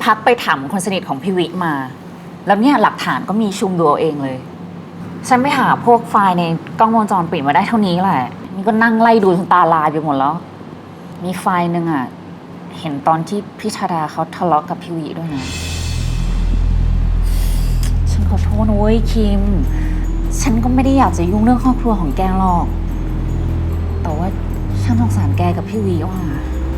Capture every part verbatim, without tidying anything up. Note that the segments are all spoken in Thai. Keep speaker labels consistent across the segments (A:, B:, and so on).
A: พักไปถามคนสนิทของพี่วิมา แล้วเนี่ยหลักฐานก็มีชุมดูเอาเองเลย ฉันไปหาพวกไฟล์ในกล้องวงจรปิดมาได้เท่านี้แหละนี่ก็นั่งไล่ดูจนตาลายไปหมดแล้ว มีไฟล์หนึ่งอะเห็นตอนที่พี่ชาดาเขาทะเลาะกับพี่วิด้วยนะฉันขอโทษนะเว้ยคิม ฉันก็ไม่ได้อยากจะยุ่งเรื่องครอบครัวของแกหรอก แต่ว่าฉันสงสารแกกับพี่วิว่ะ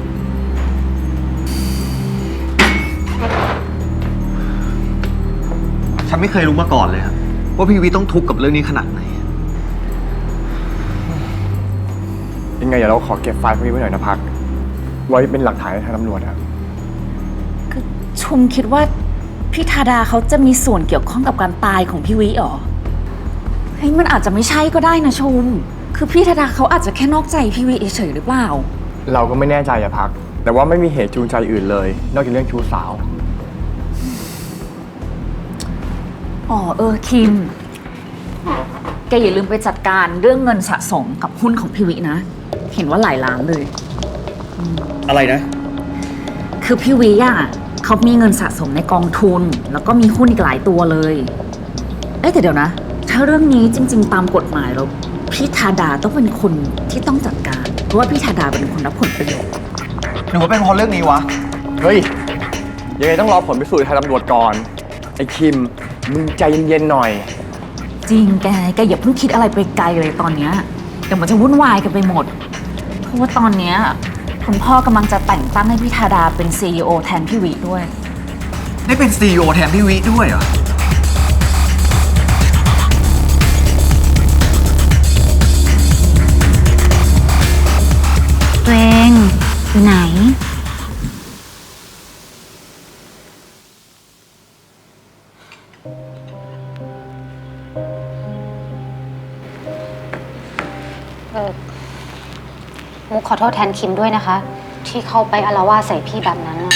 B: ฉันไม่เคยรู้มาก่อนเลยครับว่าพี่วิต้องทุกข์กับเรื่องนี้ขนาดไหน
C: ยังไงเดี๋ยวเราขอเก็บไฟล์พวกนี้ไว้หน่อยนะพักไว้เป็นหลักฐานในทางตำรวจครับ
A: คือชุมคิดว่าพี่ธาดาเขาจะมีส่วนเกี่ยวข้องกับการตายของพี่วิหรอเฮ้ยมันอาจจะไม่ใช่ก็ได้นะชุมคือพี่ธาดาเขาอาจจะแค่นอกใจพี่วิเฉยหรือเปล่า
C: เราก็ไม่แน่ใจอะพักแต่ว่าไม่มีเหตุจูงใจอื่นเลยนอกจากเรื่องชู้สาว
A: อ๋อเออคิมแกอย่าลืมไปจัดการเรื่องเงินสะสมกับหุ้นของพี่วินะเห็นว่าหลายล้านเลย
B: อะไรนะ
A: คือพี่วิอ่ะเขามีเงินสะสมในกองทุนแล้วก็มีหุ้นอีกหลายตัวเลยเอ้แต่เดี๋ยวนะถ้าเรื่องนี้จริงๆตามกฎหมายแล้วพี่ธาดาต้องเป็นคนที่ต้องจัดการเพราะว่าพี่ธาดาเป็นคนรับผลประโยชน์
B: หรือว่าเป็นเพราะเรื่องนี้วะ
C: เฮ้ยยังไงต้องรอผลพิสูจน์ทางตำรวจก่อนไอ้คิมมึงใจเย็นๆหน่อย
A: จริงแกแกอย่าเพิ่งคิดอะไรไปไกลเลยตอนเนี้ยเดี๋ยวมันจะวุ่นวายกันไปหมดเพราะว่าตอนเนี้ยคุณพ่อกำลังจะแต่งตั้งให้พี่ธาดาเป็น ซี อี โอ แทนพี่วิด้วย
B: ได้เป็น ซี อี โอ แทนพี่วิด้วยเหรอ
A: ตัวเองอยู่ไหน
D: เออมุกขอโทษแทนคิมด้วยนะคะ ที่เข้าไปอาละวาดใส่พี่แบบนั้นนะ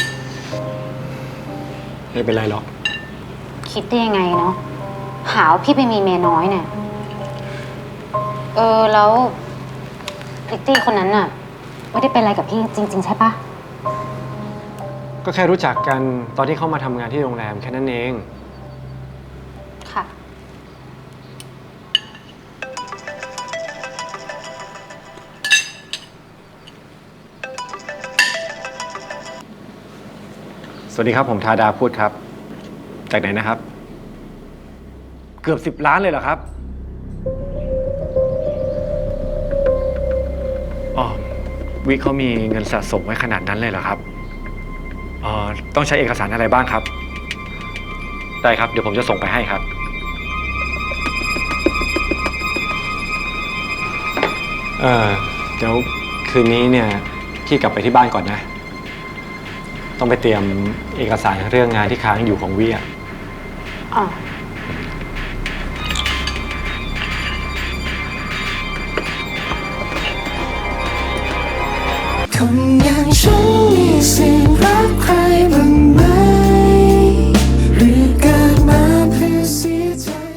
C: ไม่เป็นไรหรอก
D: คิดได้ยังไงเนาะหาว่าพี่ไปมีเมียน้อยเนี่ยเออแล้วลิตตี้คนนั้นน่ะไม่ได้เป็นอะไรกับพี่จริงๆใช่ปะ
E: ก็แค่รู้จักกันตอนที่เข้ามาทำงานที่โรงแรมแค่นั้นเอง
D: ค่ะ
E: สวัสดีครับผมธาดาพูดครับจากไหนนะครับเกือบสิบล้านเลยเหรอครับอ๋อวิเขามีเงินสะสมไว้ขนาดนั้นเลยเหรอครับอ๋อต้องใช้เอกสารอะไรบ้างครับได้ครับเดี๋ยวผมจะส่งไปให้ครับเออเดี๋ยวคืนนี้เนี่ยพี่กลับไปที่บ้านก่อนนะต้องไปเตรียมเอกสารเรื่องงานที่ค้างอยู่ของวิอ่ะ
D: อ๋อ
F: คนอย่างฉันมีสิ